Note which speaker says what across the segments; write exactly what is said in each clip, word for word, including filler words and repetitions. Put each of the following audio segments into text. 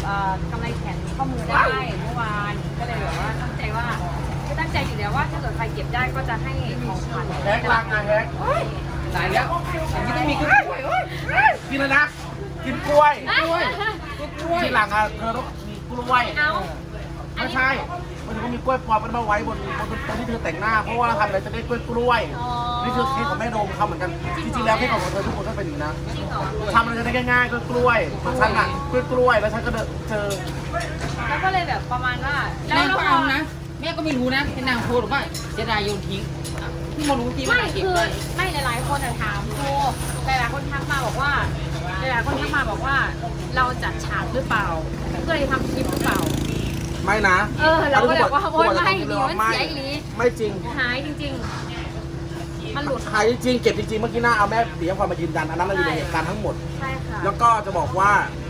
Speaker 1: อกำไรแขนข้อมือได้เมื่อวานก็เลยแบบว่าตั้งใจว่าคือตั้งใจอยู่แล้วว่าถ้าเกิดใครเก็บได้ก็จะให้ของขวัญ
Speaker 2: แฮกลังอ่ะแฮกตายแล้วอย่างนี้ต้องมีกล้วยกินเลยนะกินกล้วยกล้วยที่หลังอ่ะเธอต้องมีกล้วยไม่ใช่มันจะมีกล้วยปลอมมันมาไว้บนบนตรงที่เธอแต่งหน้าเพราะว่าทำอะไรจะได้กล้วยกล้วยนี่คือเค้กของแม่โดมเขาเหมือนกันจริงๆแล้วเค้กของเธอทุกคนก็เป็นอย่างนี้นะทำอะไรจะได้ง่ายๆกล้วยกล้วยของฉันอ่ะกล้วยกล้วยแล้วฉันก็เจอ
Speaker 1: แล้วก็เลยแบบประมาณว่าแล้
Speaker 3: แม่
Speaker 1: ว
Speaker 3: ก็
Speaker 1: เรา
Speaker 3: เอานะแม่ก็ไม่รู้นะเป็นนางโพสหรือว่าเสียดายโยนทิ้งที่มารู้ที่ว่า
Speaker 1: ไม่
Speaker 3: เก็บ
Speaker 1: คือ
Speaker 3: ได้
Speaker 1: ไม่หลายๆคนถามครูหลายๆคนทักมาบอกว่าหลายๆคนทักมาบอกว่าเราจัดฉากหรือเปล่าก็เลยทำคลิปหรือเปล่า
Speaker 2: ไม่นะ
Speaker 1: เออเราก็แบบว่าโอ๊ยไม่ดีมันเสียอีหลี
Speaker 2: ไม่จริง
Speaker 1: หายจริงๆมันหลุด
Speaker 2: หายจริงเก็บจริงๆเมื่อกี้หน้าเอาแม่เปียพรมายืนยันอันนั้นเราอยู่ในเหตุการณ์ทั้งหมด
Speaker 1: ใช่ค่ะ
Speaker 2: แล้วก็จะบอกว่า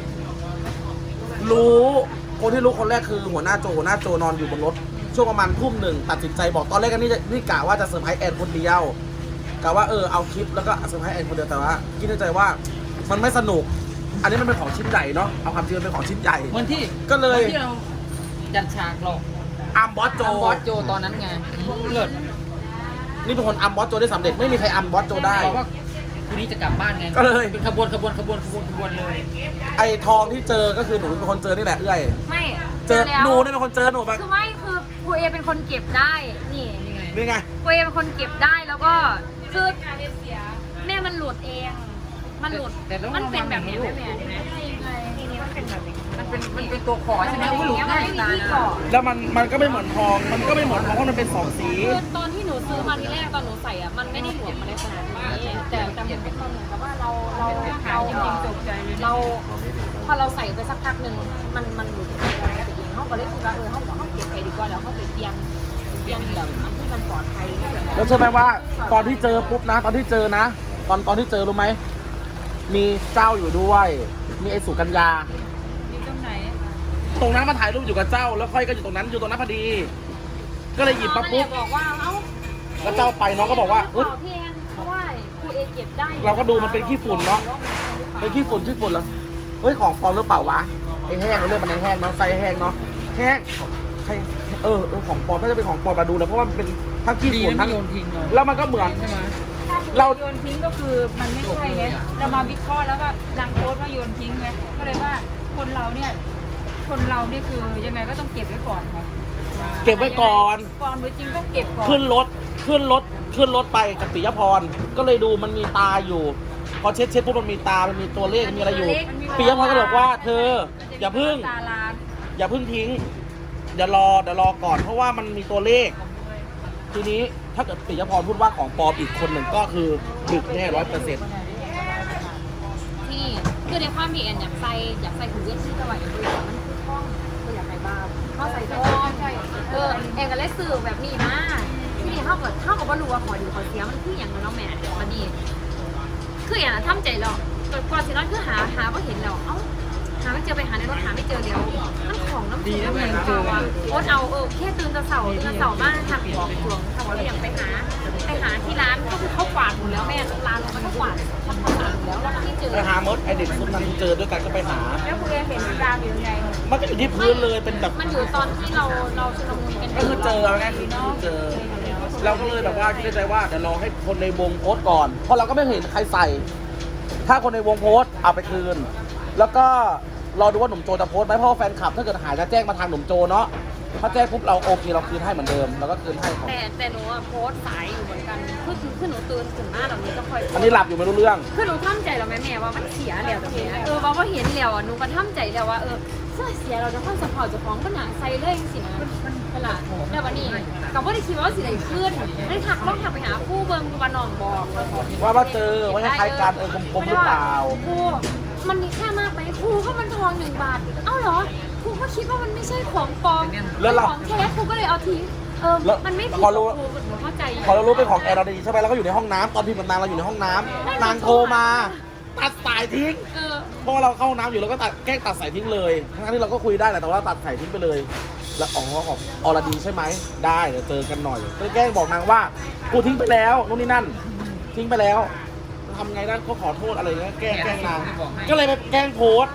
Speaker 2: รู้คนที่รู้คนแรกคือหัวหน้าโจหัวหน้าโจนอนอยู่บนรถช่วงประมาณทุ่มหนึ่งตัดสินใจบอกตอนแรกกันนี่นี่กะว่าจะเซอร์ไพรส์แอนคนเดียวกะว่าเออเอาคลิปแล้วก็เซอร์ไพรส์แอนคนเดียวแต่ว่าคิดในใจว่ามันไม่สนุก อันนี้มันเป็นของชิ้นใหญ่เนาะเอาความจริงมันเป็นของชิ้นใหญ่
Speaker 3: เหมือนที่
Speaker 2: ก็เลย
Speaker 3: หมือนที่เราจัดฉากหรอก
Speaker 2: อัมบอสโจ
Speaker 3: ทำบอสโจตอนนั้นไงเลิศ
Speaker 2: นี่เป็นคนอัมบอสโจได้สำเร็จไม่มีใครอัมบอสโจได้
Speaker 3: บอกว่าคืนนี้จะกลับบ้านไง
Speaker 2: ก็เลย
Speaker 3: เป็นขบวนขบวนขบวนขบวนขบวนเลย
Speaker 2: ไอ้ทองที่เจอก็คือหนูเป็นคนเจอนี่แหละเอ้ย
Speaker 1: ไม่
Speaker 2: เจอ
Speaker 1: แล้ว
Speaker 2: หนูนี่เป็นคนเจอหนูแบบ
Speaker 1: คือไม่คือครูเอเป็นคนเก็บได้นี่
Speaker 2: นี่ไง
Speaker 1: ครูเอเป็นคนเก็บได้แล้วก็คือแม่มันหลุดเอง มันหลุดมันเป็นแบบนี้ไม่แม่ทีนี้มันเป็นแบบนี้
Speaker 3: มันเป็นมันเป็นตัวขอใช่ไหมอุ้ยหลุดง่ายตายนะ
Speaker 2: แล้วมันมันก็ไม่เหมือนทอง มันก็ไม่เหมือนทองเพราะมันเป็นสองสี
Speaker 1: คือตอนที่หนูซื้อมาทีแรกตอนหนูใส่อ่ะมันไม่ได้หลวมมาในขนาดนี้แต่แต่มันเป็นเหมือนกับว่าเราเราเราเราพอเราใส่ไปสักพักหนึ่งมันมันหลุดไปเองเขาก็เลยคิดว่าเออเขาเขาเก็บไปดีกว่าแล้วเขาไปเตรียมเตรียมแบบอันที่มันปลอดภัย
Speaker 2: แล้วเชื่อไหมว่าตอนที่เจอปุ๊บนะ ตอนที่เจอนะ ตอนตอนที่เจอรู้ไหม มีเจ้าอยู่ด้วย มีไอ้สุกัญญา
Speaker 1: อยู่ตรงไหน
Speaker 2: ตรงนั้นมาถ่ายรูปอยู่กับเจ้า แล้วค่อยก็อยู่ตรงนั้นอยู่ตรงนั้นพอดี ก็เลยหยิบมาปุ๊บ
Speaker 1: บอกว่าเอ้า
Speaker 2: แล้วเจ้าไปน้องก็บอกว่า
Speaker 1: เอ
Speaker 2: อุ๊ย
Speaker 1: พี่แอนเพราะว่าครูเอเก็บได้
Speaker 2: เราก็ดูมันเป็นขี้ฝุ่นเนาะ เป็นขี้ฝุ่นขี้ฝุ่นแล้วเฮ้ยของปลอมหรือเปล่าวะไอ้แห้งเราเรียกมันไอ้แห้งเนาะไส้แห้งเนาะแห้งใช่เออเออของปลอมน่าจะเป็นของปลอมมาดูแล้วเพราะว่ามันเป็นทั้งขี้
Speaker 3: ดี
Speaker 2: ฝุ่น
Speaker 3: นะ
Speaker 2: ทั้
Speaker 3: ไม่
Speaker 2: ง
Speaker 3: โยนทิ้งเลย
Speaker 2: แล้วมันก็เหมือน
Speaker 3: ใช่ไหม
Speaker 2: เรา
Speaker 4: โยนทิ้งก็คือมันไม่ใช่ไงเรามาวิเคราะห์แล้วก็นางโพสต์ว่าโยนทิ้งไงก็เลยว่าคนเราเนี่ยคนเราเนี่ยคือยังไงก็ต้องเก็บไว้ก่อนค่ะ
Speaker 2: เก็บไว้ก่อน
Speaker 4: ก่อนไว้จริงก็เก็บก่อน
Speaker 2: ขึ้นรถขึ้นรถขึ้นรถไปกับปิยพรก็เลยดูมันมีตาอยู่ พอเช็ดเช็ดปุ๊บมันมีตา มันมีตัวเลขมีอะไรอยู่ปิยพรก็บอกว่าเธออย่าพึ่ง
Speaker 4: ตาล้าง
Speaker 2: อย่าพึ่งทิ้งอย่ารอเดี๋ยวรอก่อน เพราะว่ามันมีตัวเลข ทีนี้ถ้าเกิดปิยพรพูดว่าของปลอมอีกคนหนึ่งก็คือดึกแน่ร้อยเปอร์เซ็นต์
Speaker 1: ที่คือในความที่แอนอยากใส่อยากใส่ถุงเย็นที่จะไหวอยู่ด้วยมันคือท่องคืออยากใส่บ้าเขาใส่ท่องใช่เออแอนก็เลยสื่อแบบนี้มาที่นี่เท่ากับเท่ากับว่ารู้ว่าขอดีขอเสียมันคืออย่างน้องแม่มันนี่คืออย่างทำใจเราก่อนสินั้นคือหาหาว่าเห็นเราเอ้าหาไม่เจอไปหาในรถหาไม่เจอแล้วมันของน้ำดีนะแม่เจอว่าโอ๊ตเอาเออแค่ตื่นตะเสาตื่นตะเสามากทางบอกสวงทางเราอยากไปหาไปหาที่ร้านก็คือเขากวาดหมดแล้วแม่ร้านเราก็กวาดทำความสะอาดหมดแล้วแล้วก็ไม่เจอ
Speaker 2: ไปหามดไอเด็กซุปนั้นเจอด้วยกันก็ไปหา
Speaker 4: แล้วคุณเอเห็นดามอยู่ยังไง
Speaker 2: มันก็อยู่ที่พื้นเลยเป็นแบบ
Speaker 1: มันอยู่ตอนที่เราเราชุลมุนกัน
Speaker 2: ก็คือเจอเอาง่ายๆคือเจอ เราก็เลยแบบว่าคิดในใจว่าเดี๋ยวรอให้คนในวงโพสต์ก่อน เพราะเราก็ไม่เห็นใครใส่ ถ้าคนในวงโพสต์เอาไปคืน แล้วก็รอดูว่าหนุ่มโจจะโพสต์ไหมเพราะว่าแฟนคลับถ้าเกิดหายจะแจ้งมาทางหนุ่มโจเนาะ ถ้าแจ้งปุ๊บเราโอเคเราคืนให้เหมือนเดิมเราก็คืนให้ของ
Speaker 1: แต่แต่หนูอะโพสต์สายอยู่เหมือนกันคือคือคือหนูตื่นถึงหน้าแบบนี้ก็ค่อย
Speaker 2: อันนี้หลับอยู่ไม่รู้เรื่อง
Speaker 1: คือหนูท่ำใจแล้วแม่แม่ว่ามันเสียแล้วแต่แม่เออว่าว่าเห็นแล้วอ่ะหนูก็ท่ำใจแล้วว่าเออเสื้อเสียเราจะค่อยสปอร์ตจะฟ้องก็หนาใส่เลยสินะมันเวลาแต่วันนี้กับว่าได้คิดว่าสิได้ขึ้นได้ทักต้องทักไปหาคู่เบิ้งวันน้องบอก
Speaker 2: ว่าว่าเจอว่าคล้ายๆกันเออกลมๆหรือเปล่า
Speaker 1: คู่มันมีค่ามากไหมคู่ก็มันทองหนึ่งบาทเอ้าเหรอครูก็คิดว่ามันไม่ใช่ของปลอมเป็นของแท้ครูก็เลยเอาทิ้งเออมันไม่ผิดครูหนูเข้าใจ
Speaker 2: พอเรารู้เป็นของแอร์เราดีใช่ไหมเราก็อยู่ในห้องน้ำตอนพิมพ์กับนางเราอยู่ในห้องน้ำนางโทรมาตัดสายทิ้ง
Speaker 1: เออ
Speaker 2: เพราะว่าเราเข้าห้องน้ำอยู่เราก็ตัดแกล้งตัดสายทิ้งเลยทั้งที่เราก็คุยได้แหละแต่ว่าตัดสายทิ้งไปเลย แล้วอ๋อของอรดีใช่ไหมได้เดี๋ยวเจอกันหน่อยก็แกล้งบอกนางว่ากูทิ้งไปแล้วนู่นนี่นั่น ทิ้งไปแล้วทำไงได้ก็ขอโทษอะไรเงี้ยแกล้งแกล้งนางก็เลยไปแกล้งโพสต์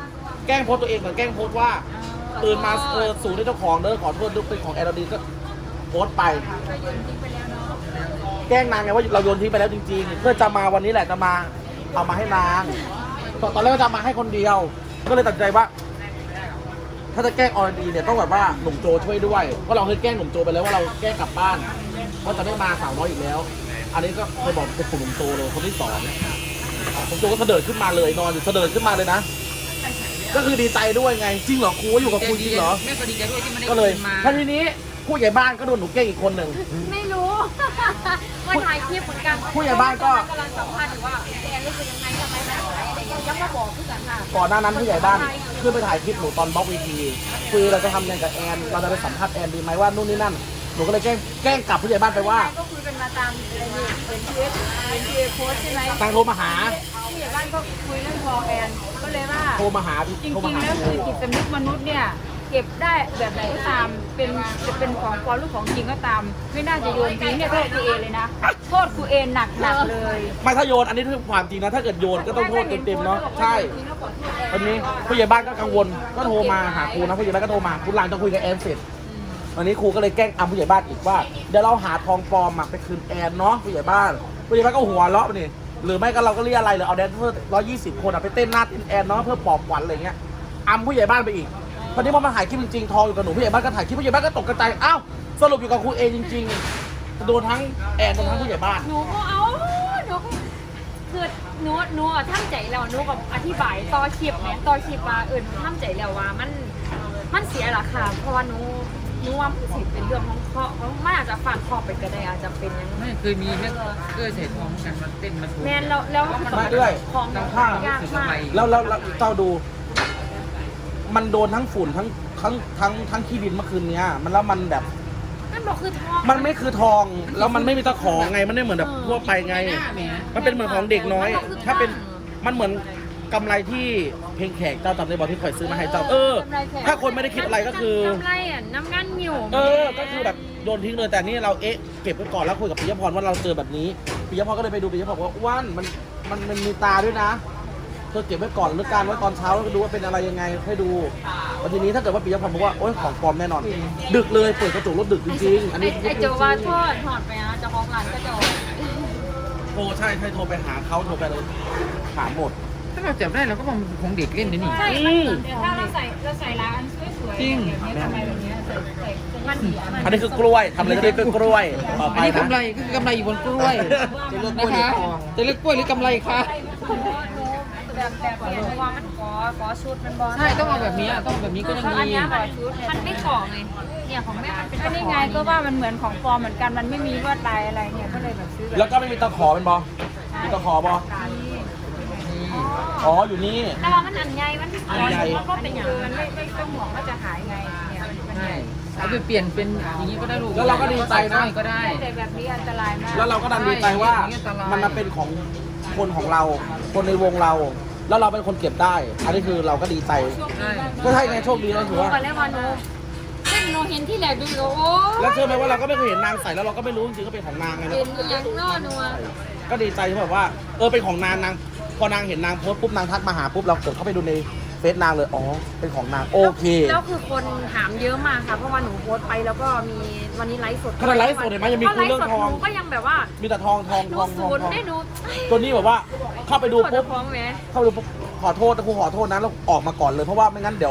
Speaker 2: แกล้งโพสต์ตัวเองเหมือนแกล้งโพสต์ว่าตื่นมาเออสูงด้วยเจ้าของเด้อขอโทษด้วยเป็นของแอร์ดีก็โพสต์ไป
Speaker 4: ก็โยนทิ้งไปแล้วเนาะ
Speaker 2: แกล้งนางไงว่าเราโยนทิ้งไปแล้วจริงๆ เพื่อจะมาวันนี้แหละจะมาเอามาให้นางตอนตอนแรกก็จะมาให้คนเดียว ก็เลยตัดใจว่า ถ้าจะแกล้งออดีเนี่ยต้องแบบว่าหนุ่มโจช่วยด้วยเพราะเราเคยแกล้งหนุ่มโจไปแล้วว่าเราแกล้งกลับบ้านว่าจะไม่มาสาวน้อยอีกแล้ว อันนี้ก็เคยบอกเป็นกลุ่มหนุ่มโจเลยคนที่สองหนุ่มโจก็เสด็จขึ้นมาเลยนอนอยู่เสด็จขึ้นมาเลยนะก็คือดีใจด้วยไงจริงเหรอครูว่าอยู่กับครูจริงเหรอ
Speaker 3: แม่ก็ดีใจด้วยที่มันได้
Speaker 2: ก็เลย
Speaker 3: คืนมา
Speaker 2: ท่านทีนี้ผู้ใหญ่บ้านก็โดนหนูแกล้งอีกคนหนึ่ง
Speaker 1: ไม่รู้ ว่าถ่ายคลิปเหมือนกัน
Speaker 2: ผู้ใหญ่บ้านก็
Speaker 1: กำลังสัมภาษณ์อยู่ว่าแอนรู้สึกยังไงทำไมแบบไหนอะไรอย่างเงี้ยยังมาบอกเพื่อนค่ะ
Speaker 2: ก่อนหน้านั้นผู้ใหญ่บ้านขึ้นไปถ่ายคลิปหนูตอนบล็อกวีทีคุยเราจะทำยังไงกับแอนเราจะไปสัมภาษณ์แอนดีไหมว่านู่นนี่นั่นหนูก็เลยแกล้งแกล้งกลับผู้ใหญ่บ้านไปว่า
Speaker 4: ก็คุยกันมาตามอะไรนี่เป็นทีเอสเป็นทีเอสโพสใช่ไหม
Speaker 2: ตังโทรมาหา
Speaker 4: ผู้ใหญ่บ้านก็คุยเรื่องทองแอนก็เลยว่า
Speaker 2: โทรมาหา
Speaker 4: จริ
Speaker 2: โทรมาง หา
Speaker 4: ๆแล้วคือจิตสำนึกมนุษย์เนี่ยเก็บได้แบบไหนก็ตามเป็นจะเป็นของปลอมหรือของจริงก็ตาม ไม่น่าจะโยนทิ้งเนี่ยโทษครูเอเลยนะโทษครูเอหนักหนักๆเลย
Speaker 2: ไม่ถ้าโยนอันนี้คือความจริงนะถ้าเกิดโยนก็ต้องโทษเต็มๆเนาะใช่วันนี้ผู้ใหญ่บ้านก็กังวลก็โทรมาหาครูนะผู้ใหญ่บ้านก็โทรมาคุณหลังจะคุยกับแอนเสร็จวันนี้ครูก็เลยแกล้งอำผู้ใหญ่บ้านอีกว่าเดี๋ยวเราหาทองปลอมมาไปคืนแอนเนาะผู้ใหญ่บ้านผู้ใหญ่บ้านก็หัวเราะไปนี่หรือไม่ก็เราก็เรียกอะไรหรือเอาแดนเซอร์ร้อยยี่สิบคนอะไปเต้นหน้าเต้นแอนเนาะเพื่อปลอบขวัญอะไรเงี้ยอำผู้ใหญ่บ้านไปอีกพอนี้พอมาถ่ายคลิปจริงๆทองอยู่กับหนูผู้ใหญ่บ้านก็ถ่ายคลิปผู้ใหญ่บ้านก็ตกกระจายอ้าวสรุปอยู่กับครูเอจริงๆโดนทั้งแอนโดนทั้งผู้ใหญ่บ้าน
Speaker 1: หนูก็เอาหนูก็คือหนูหนูอะท่ามใจแล้วหนูกับอธิบายต่อคลิปเนี่ยต่อคลิปว่าเออหนูท่ามใจแล้วว่ามันมันเสียราคาเพราะว่าหนูหนูว่ามันสิเป็นเรื่องของเคราะห์มันอาจจะฝากครอบไปก็ได้อาจจะเป็นอย่างนั้น
Speaker 3: ไม่เคยมีแม่เอ้ยใส่ทองกันมาเต้นมาโชว์
Speaker 1: แมนแล้วแล้ว
Speaker 2: มาด้วย
Speaker 1: ของ
Speaker 2: ทางข้าง
Speaker 1: ยากมาก
Speaker 2: แล้วแล้วแล้วเจ้าดู มันโดนทั้งฝุ่นทั้งทั้งทั้งทั้งขี้ดินเมื่อคืนเนี้ย มันแล้วมันแบบ
Speaker 1: นั่นบอกคือทอง
Speaker 2: มันไม่คือทอง แล้วมันไม่มีตะขอไง มันไม่เหมือนแบบทั่วไปไง มันเป็นเหมือนของเด็กน้อย ถ้าเป็น มันเหมือนกำไรที่เพลงแขกเจ้าจำได้บอกที่คอยซื้อมาให้เจ้า เออ ถ้าคนไม่ได้คิดอะไรก็คือ
Speaker 1: น้ำไรอ่ะน้ำงันอยู่
Speaker 2: เออ ก็คือแบบโยนทิ้งเลย แต่นี่เราเอ๊ะ เก็บไว้ก่อนแล้วคุยกับปิยพรว่าเราเจอแบบนี้ปิยพรก็เลยไปดูปิยพรบอกว่าอ้วนมันมันมันมีตาด้วยนะ เธอเก็บไว้ก่อนหรือการไว้ตอนเช้าแล้วดูว่าเป็นอะไรยังไงให้ดูวันทีนี้ถ้าเกิดว่าปิยพรบอกว่าโอ๊ยของปลอมแน่นอน ดึกเลยเปิดกระจกรถดึกจริงๆ อันนี้
Speaker 1: ไอเจ้าว่าทอดถอดไปนะเจ้าของร้านก็จะ
Speaker 2: โทรใช่ใช่โทรไปหาเขาโทรไปเลยถามหมด
Speaker 3: ถ้าเราจับได้เราก็มองของเด็กเล่นนะนี่
Speaker 1: ใช่
Speaker 2: อืม
Speaker 4: แต่ถ้าเราใส่เราใส่ร้านสวยๆ
Speaker 3: จริง
Speaker 4: แบบนี้ทำไมแบบนี้ใส่ใส่
Speaker 1: มัน
Speaker 2: อันนี้คือกล้วยทำอะไรก็ได้คือกล้วยต่อไป
Speaker 3: อันนี้
Speaker 2: นะ
Speaker 3: กำไรก็คือกำไรอยู่บนกล้วยนะคะจะเลือกกล้วยหรือกำไรคะ
Speaker 1: แบบแบบเนี้ยเพราะว่ามันกอก้อชุดมันบอล
Speaker 3: ใช่ต้องเอาแบบนี้ต้องแบบนี้ก็ยัง
Speaker 1: อัน
Speaker 3: ดี
Speaker 1: เนี้ยแบบมันไม่ก่อไงเนี่ยของแม่มันเป็น
Speaker 4: ก็นี่ไงก็ว่ามันเหมือนของปลอมเหมือนกันมันไม่มีลวดลายอะไรเนี่ยก็เลยแบบซื้อแบบ
Speaker 2: แล้วก็ไม่มีตะขอเป็นบอมีตะขอบออ๋ออยู่นี่
Speaker 1: แต่ว่ามันอันใหญ่มัน
Speaker 2: อันใหญ่
Speaker 1: มันก็เป็นอย่าง
Speaker 4: คือ
Speaker 1: นั้
Speaker 4: มัน นไม่ไม่ต้องห่วงว่าจะหายไงเนี่ยมัน
Speaker 3: ใช่
Speaker 4: ใหญ่
Speaker 3: เอาไปเปลี่ยนเป็นอย่างนี้ก็ได้ลูก
Speaker 2: แล้วเราก็ดีใจนะ
Speaker 3: ก็ได้
Speaker 4: แต่แบบนี้อันตรายมาก
Speaker 2: แล้วเราก็ดันดีใจว่ามันมาเป็นของคนของเรา คนในวงเรา แล้วเราเป็นคนเก็บได้ อันนี้คือเราก็ดีใจ
Speaker 3: ใช่
Speaker 2: ก็ใช่ไงโชคดีแล้วถือว่า
Speaker 1: ก่อนแล้วมาโนเส้นโนเห็นที่แหลกดูโอ้
Speaker 2: แล้วเชื่อไหมว่าเราก็ไม่เคยเห็นนางใส่แล้วเราก็ไม่รู้จริงๆก็เป็นของนางไง
Speaker 1: เป็นอย่างนอนัว
Speaker 2: ก็ดีใจที่แบบว่าเออเป็นของนางนางพอนางเห็นนางโพสต์ปุ๊บนางทักมาหาปุ๊บเรากดเข้าไปดูในเฟซนางเลยอ๋อเป็นของนางโอเค
Speaker 1: แล้วคือคนถามเยอะมากค่ะเพราะว่าหนูโพสต์ไปแล้วก็มีวันนี้ไลฟ์สด
Speaker 2: ขนาดไลฟ์สดเห็นไหมยังมีคุยเรื่องทอง
Speaker 1: หนูก็ยังแบบว่า
Speaker 2: มีแต่ทองทอง
Speaker 1: หนู
Speaker 2: ทองท
Speaker 1: ศู
Speaker 2: อง
Speaker 1: นย์
Speaker 2: ทอง
Speaker 1: ได้หนู
Speaker 2: ตัวนี้แบบว่าเข้าไปดู
Speaker 1: ปว
Speaker 2: ปุ๊
Speaker 1: ด
Speaker 2: บ
Speaker 1: ท้องไหม
Speaker 2: เข้าไปดูปุ๊บขอโทษนะครูขอโทษนะแล้วออกมาก่อนเลยเพราะว่าไม่งั้นเดี๋ยว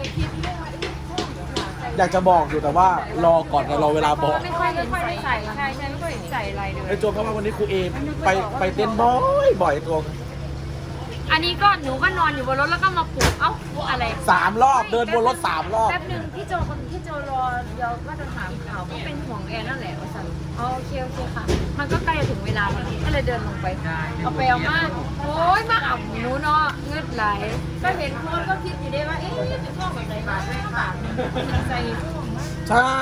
Speaker 2: อยากจะบอกอยู่แต่ว่ารอก่อนรอเวลาบอก
Speaker 1: ไม่ค่อยเห็น
Speaker 4: ไม่ค่อย
Speaker 1: ใส่
Speaker 4: ได้ใส่ใช่ใช่ไม่ค่อยเห็นใส่อะไรเลย
Speaker 2: ไอ้โจมเข้ามาวันนี้ครูเอไปไปเต้นบ่อยบ่อยตัว
Speaker 1: อันนี้ก็หนูก็นอนอยู่บนรถแล้วก็มาปลุกเอ้าอะไร
Speaker 2: สามรอบเดินบนรถสามรอบ
Speaker 1: แป๊บหนึ่งพี่โจคนพี่โจรอเดี๋ยวก็จะถามข่าวก็เป็นห่วงแอนนั่นแหละว่าสันอ๋อโอเคโอเคค่ะ มันก็ใกล้จะถึงเวลาแล้วก็เลยเดินลงไป เอาไปเอามาโอ้ยมาอ่ำหนูเนาะเงืดไหลก็เห็นโพสต์ก็คิดอยู่ได้ว่าเอ๊ะจะช่วงแบบไหนบาทไม่บาทใส่
Speaker 2: ใช่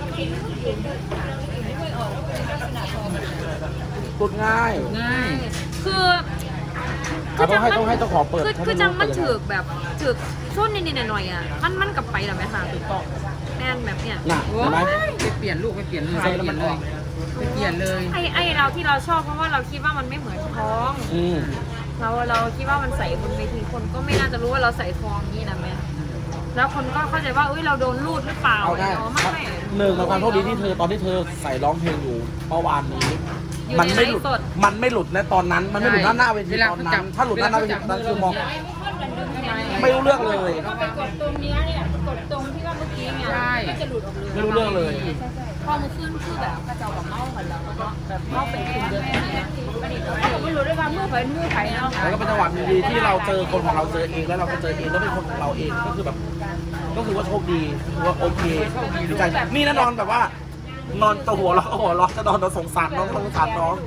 Speaker 2: ตุดง่าย
Speaker 3: ง่าย
Speaker 1: คือ
Speaker 2: อ่ะต้องให้ต้องให้เจ้าของเปิด
Speaker 1: คือคือจังมันถือกแบบถือกช่วงนิดๆหน่อยๆอ่ะมันมันกลับไปหรอไหมคะถูกต้องแม่นแบบเนี้ย
Speaker 2: น่ะเห็นไหม
Speaker 3: ไปเปลี่ยนลูกไปเปลี่ยนเลยไปเปลี่ยนเลยไปเปลี่ยนเลย
Speaker 1: ไอ้ไอ้เราที่เราชอบเพราะว่าเราคิดว่ามันไม่เหมือนท้อง
Speaker 2: อืม
Speaker 1: เราเราคิดว่ามันใส่บนเวทีคนก็ไม่น่าจะรู้ว่าเราใส่ทองนี่นะแม่แล้วคนก็เข้าใจว่าเอ้ยเราโดนรูดหรือเปล่า
Speaker 2: เอาได้
Speaker 1: อ๋อไม่ไม่
Speaker 2: หนึ่งในความโชคดีที่เธอตอนที่เธอใส่ร้องเพลงอยู่เมื่อวานนี้
Speaker 1: อยู่
Speaker 2: มั
Speaker 1: ใน
Speaker 2: ไม่หลุด
Speaker 1: ไลฟ์สด
Speaker 2: มันไม่หลุดนะตอนนั้น มันไม่หลุดหน้าหน้าเวทีตอนนั้น ถ้าหลุดหน้าหน้าเวทีตอนนั้นคือมองไม่รู้เรื่องเลย
Speaker 4: ก็ไปกดตรงเนี้ยเนี่ยกดตรงที่ว่าเมื่อกี้เนี่ยก็จะหลุดออกเลย
Speaker 2: ไม่รู้เรื่องเลย
Speaker 1: พอมือขึ้นคือแบบกระเจ้ากับเมากันแล้วก็แบบเมาเป็นคืนเดือนนี้นะ
Speaker 4: ผมไม่รู้ด้วยว่ามือไผ่มือไผ่เนาะ
Speaker 2: แล้วก็เป็นจังหวะดีๆที่เราเจอคนของเราเจอเองแล้วเราก็เจอเองแล้วเป็นคนของเราเองก็คือแบบ ก็คือว่าโชคดีคือว่าโอเคดีใจนี่นะนอนแบบว่า นอนตัวหัวเราะหัวเราะจะนอนเราสงสารน้องสงสารน้อง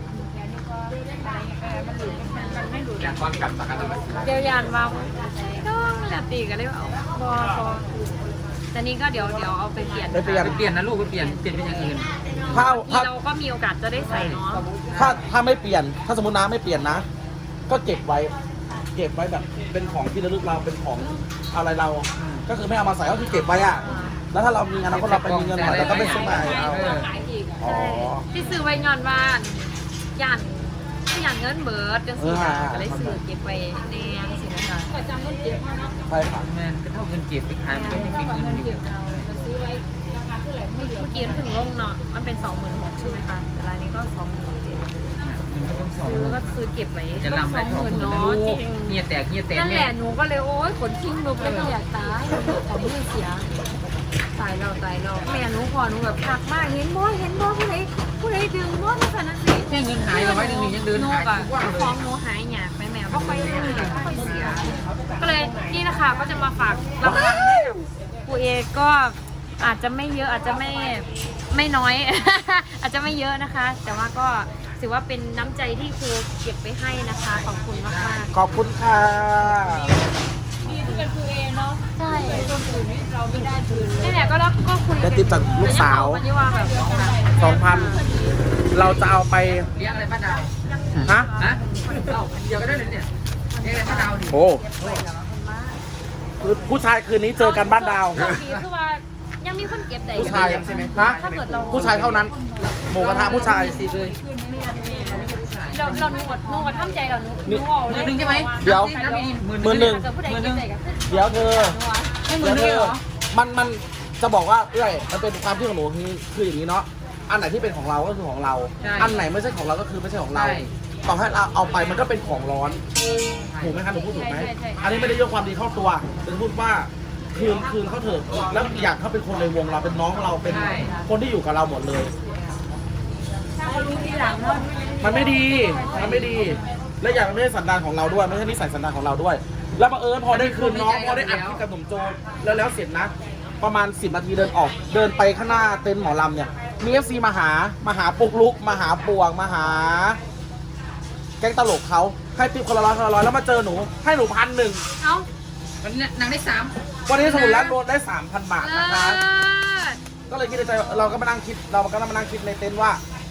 Speaker 3: อยากความกลับสักกันไหม
Speaker 1: เดี๋ยวยานมาน้องแลตีกันเลยว่าพอพอแต่นี่ก็เดี๋ยวเดี๋ยวเอาไปเปลี่ยน
Speaker 2: ไปเปลี่ยน
Speaker 3: เปลี่ยนนะลูกไปเปลี่ยนเปลี่ยนเป็นอย่างอื่น
Speaker 2: ถ้า
Speaker 1: ที่
Speaker 2: ถ้า
Speaker 1: เราก็มีโอกาสจะได้ใส่เนาะ
Speaker 2: ถ้าถ้าไม่เปลี่ยน ถ้าสมมติน้าไม่เปลี่ยนนะ ก็เก็บไว้ เก็บไว้แบบเป็นของที่ระลึกเราเป็นของอะไรเรา ก็คือไม่เอามาใส่ก็คือเก็บไว้อะแล้วถ้าเรามีอนาคตเราไปมีเงินหน่อยเราก็ไม่ซื้อใหม่เอา
Speaker 4: ขายอีก
Speaker 2: อ๋อ
Speaker 1: ที่ซื้อไว้ย้อนว่ายันที่ยันเงินเบิร์ดจังสิค่ะก็เลยซื้อเก็บไว้ในยังสินะคะ
Speaker 4: ประจำต้นเก็บมาเนาะ
Speaker 2: ใช่ค่ะ
Speaker 3: แม่ก็เท่าเงินเก็บไปขายมันไม่เป็นเงินอยู่
Speaker 4: เราซื้อไว้ราคาเท่าไหร่ไม่เหลือ
Speaker 1: เมื่อกี้ถึงลงเนาะมันเป็นสองหมื่นหกใช่ไหมคะแต่รายนี้ก็สองหมื่นเจ็ด
Speaker 3: มันก็ต้องสอง
Speaker 1: ซื้อก็ซื้อเก็บไว้
Speaker 3: จะ
Speaker 1: ก็
Speaker 3: ลำ
Speaker 1: ส
Speaker 3: ไป
Speaker 1: อง
Speaker 3: ส
Speaker 1: ห
Speaker 3: อง
Speaker 1: มื่น
Speaker 3: หมื่น
Speaker 1: เนาะ
Speaker 3: ลู
Speaker 1: จ
Speaker 3: ก
Speaker 1: ริง
Speaker 3: เงียแตกเงียแตก
Speaker 1: นั่นแห
Speaker 3: แม่
Speaker 1: ละหนูก็เลยโอ๊ยขนทิ้งลุกแล้วก็อยากตายของมือเสียตายเราตายเราแม่หนูพอหนูแบบพักมากเห็นบ่เห็นบ่ผู้ใดผู้ใดดึงบ่ที่ขนาดนี้
Speaker 3: แค่เงินหายเราไว้หนึ่งยังเดิน
Speaker 1: หนู
Speaker 3: หาย
Speaker 1: กับ
Speaker 3: ทุกวันเล
Speaker 1: ขอย งหนูหายหยาบไปแม่ก็ค่อยเลยก็ค่อยเสีย ก็เลยนี่นะคะก็จะมาฝากรางวัลให้กับครูเอก็อาจจะไม่เยอะอาจจะไม่ไม่น้อย อาจจะไม่เยอะนะคะ แต่ว่าก็ถือว่าเป็นน้ำใจที่ครูเก็บไว้ให้นะคะขอบคุณมาก
Speaker 2: ขอบคุณค่ะ
Speaker 4: นี่ที่เป็นคือเองเนาะ
Speaker 1: ๆใช่
Speaker 4: คนอื่นนี่เราไม่ได้คืน
Speaker 1: นี่แหละก็แล้วก็คุย
Speaker 2: ได้ติดจากลูกสาว
Speaker 1: แต่ยังบอกกันอยู่ว่าแบบ
Speaker 2: สองพันเราจะเอาไป
Speaker 3: เลี้ยงอะไรป้าดาว
Speaker 2: ฮะ
Speaker 3: ฮะเอาเดียวก็ได้เลยเนี่ยเลี้ยงอะไรป้าดาวดิ
Speaker 2: โอ้คือผู้ชายคืนนี้เจอกันบ้านดาว
Speaker 1: โชคดีคือว่ายังมีคนเก็บได้
Speaker 2: ผู้ชายใช่ไหมฮะ
Speaker 1: ถ้าเกิดเรา
Speaker 2: ผู้ชายเท่านั้น หมูกระทะผู้ชาย
Speaker 3: สิเลย
Speaker 1: เราเราหนูอดหนูอดทำใจเราหนูหนูเอา
Speaker 3: ห
Speaker 1: เล
Speaker 3: มื่
Speaker 1: ย
Speaker 3: นหนึ่งใช่ไหม
Speaker 2: เดี๋ยว
Speaker 3: หมื่น
Speaker 2: หมื่นหนึ่ง
Speaker 1: ถ้าเกิดผู้ใดเก็บได้ก็คือ
Speaker 2: เดี๋ยวเธอ
Speaker 3: ให้หมื่นหนึ่งเหรอ
Speaker 2: มันมันจะบอกว่าเอ้ยมันเป็นความที่ของหนูคือคืออย่างนี้เนาะ อันไหนที่เป็นของเราก็คือของเรา อันไหนไม่ใช่ของเราก็คือไม่ใช่ของเรา ต่อให้เราเอาไปมันก็เป็นของร้อน ถูกไหมคะหนูพูดถูกไหม อันนี้ไม่ได้ยกความดีเข้าตัวแต่พูดว่าคืนคืนเขาเถอะ แล้วอีกอย่างเขาเป็นคนในวงเราเป็นน้องเราเป็นคนที่อยู่กับเราหมดเลย
Speaker 4: ถ้าเขารู้ทีหลังเนาะ
Speaker 2: มันไม่ดี มันไม่ดี และอย่างมันไม่ใช่สันดานของเราด้วย ไม่ใช่นิสัยสันดานของเราด้วย แล้วบังเอิญพอได้คืนน้องพอได้อัดคลิปกับหนุ่มโจแล้วแล้วเสร็จนะ ประมาณสิบนาทีเดินออก เดินไปข้างหน้าเต็นท์หมอลำเนี่ย มีเอฟซีมาหา มาหาปุกลุก มาหาปวง มาหา แก๊งตลกเขาให้ติปคนละร้อยคนละร้อยแล้วมาเจอหนู ให้หนูพันหนึ่ง
Speaker 1: เอ้า
Speaker 3: มันนางได้สาม
Speaker 2: วันนี้สมุนแล้วโดนได้สามพันบาท
Speaker 1: เลิ
Speaker 2: นะคะ
Speaker 1: ศ
Speaker 2: ก็เลยคิดในใจเราก็มานั่งคิดเราก็มานั่งคิดในเต็นท์ว่า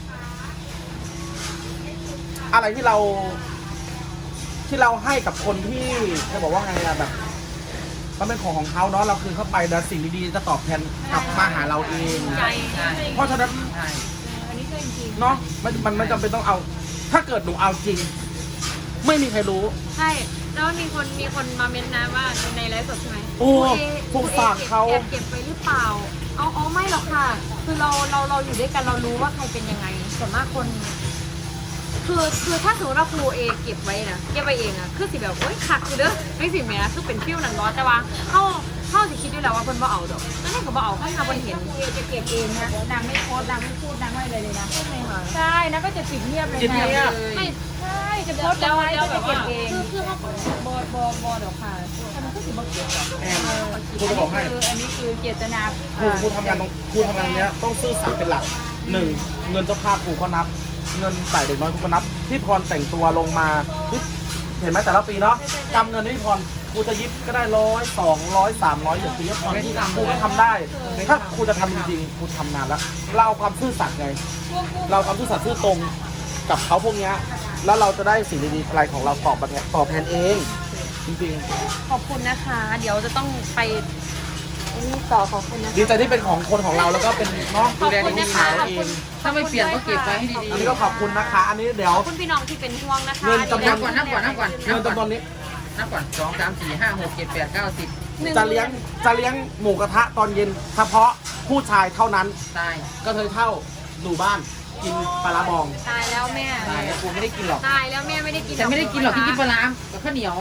Speaker 2: อะไรที่เรา ที่เราให้กับคนที่จะบอกว่าไงอะแบบ มันเป็นของของเขาเนาะเราคืนเข้าไปแล้วสิ่งดีๆจะตอบแทนกลับมาหาเราเอง
Speaker 1: ใจ
Speaker 3: ใช่
Speaker 2: เพราะฉะนั้น
Speaker 3: ใช่
Speaker 4: อันนี้ก็จริง
Speaker 2: เนาะมันมันไม่จำเป็นต้องเอา ถ้าเกิดหนูเอาจริง ไม่มีใครรู้
Speaker 1: ใช่ แล้วมีคนมีคนมาเม้นต์นะว่าในไลฟ์สดใช่ไหม
Speaker 2: โอ้
Speaker 1: ครู
Speaker 2: สงสารเขา
Speaker 1: แอบเก็บไปหรือเปล่า เอาเอาไม่หรอกค่ะ คือเราเราเราอยู่ด้วยกันเรารู้ว่าใครเป็นยังไงส่วนมากคน คือคือถ้าสมมติว่าครูเอเก็บไว้นะเก็บไว้เองอะคือสิแบบโอ๊ยขัดคือเด้อไม่สิแม่คือเป็นฟิวนังร้อนแต่ว่าเขาเขาสิคิดด้วยแล้วว่าเพิ่นบ่เอาดอกนั่นเองก็บ่เอาเพิ่นเอาเพิ่นเห็น
Speaker 4: ๆเอจะเก็บเองนะนางไม่โพสต์นางไม่พูดนางไม่อะไรเลยนะ
Speaker 1: ใช่ไหมคะ
Speaker 4: ใช่นะก็จะปิดเงียบเลย
Speaker 2: ปิด
Speaker 4: นะ
Speaker 2: เงียบ
Speaker 1: ไม่
Speaker 4: ใช่จะโพสต์
Speaker 1: แล้ว
Speaker 4: ไว้
Speaker 1: แล้ว
Speaker 4: ก็
Speaker 1: แบ
Speaker 4: จะ
Speaker 1: บ
Speaker 4: เก็
Speaker 1: ว่า
Speaker 4: บเอง
Speaker 1: คือคือเขาบอบอบอดอกค่ะทำไมก็สิบ่เก็บดอก
Speaker 2: แอนครูจะบอกให้
Speaker 4: คืออันนี้คือเจตนา
Speaker 2: ครูครูทำงานตรงครูทำงานเนี้ยต้องซื่อสัตย์เป็นหลักหนึ่งเงินเจ้าภาพครูก็นับ เงินจ่ายเด็กน้อยครูก็นับพี่พรแต่งตัวลงมาพี่เห็นไหมแต่ละปีเนาะจำเงินที่พี่พรครูจะยิบก็ได้ร้อยสองร้อยสามร้อยอย่างปีนี้พรที่ครูก็ทำได้ ถ้าครูจะทำจริงๆครูทำนานแล้วเราเอาความซื่อสัตย์ไง เราเอาความซื่อสัตย์ซื่อตรงกับเขาพวกเนี้ยแล้วเราจะได้สิ่งดีๆอะไรของเราตอบมาแทนตอบแทนเอง จริง
Speaker 1: ขอบคุณนะคะ เดี๋ยวจะต้องไปนี่ต่อขอบคุณนะคะ
Speaker 2: ดีใจที่เป็นของคนของเราแล้วก็เป็นน้อง
Speaker 1: ขอบคุณนะคะ
Speaker 2: ดูแล
Speaker 1: ขอบ
Speaker 2: เอ
Speaker 1: คุณ
Speaker 2: ง
Speaker 3: ถ้าไม่เปลี่ยนก็เก็บไว้ให้ดี
Speaker 2: อันนี้ก็ขอบคุณนะคะ อันนี้เดี๋ยว
Speaker 1: ขอบคุณพี่น้องที่เป็นห่วงนะคะ
Speaker 2: เงินจำ
Speaker 3: ๆนับก่อนนับก่อนนับก่อน
Speaker 2: เงินจำนวนนี้
Speaker 3: นับก่อนสองสามสี่ห้าหกเจ็ดแปดเก้าสิบ
Speaker 1: หนึ่ง
Speaker 2: จะเลี้ยงจะเลี้ยงหมูกระทะตอนเย็นเฉพาะผู้ชายเท่านั้น
Speaker 3: ตาย
Speaker 2: ก็เธอเท่าอยู่บ้านกินปลาร้าบอง
Speaker 1: ตายแล้วแม่
Speaker 3: ตายแล้วกูไม่ได้กินหรอก
Speaker 1: ตายแล้วแม่ไม่ได้กิน
Speaker 3: แต่ไม่ได้กินหรอกที่กินปลาร้ากับข้าวเหนียว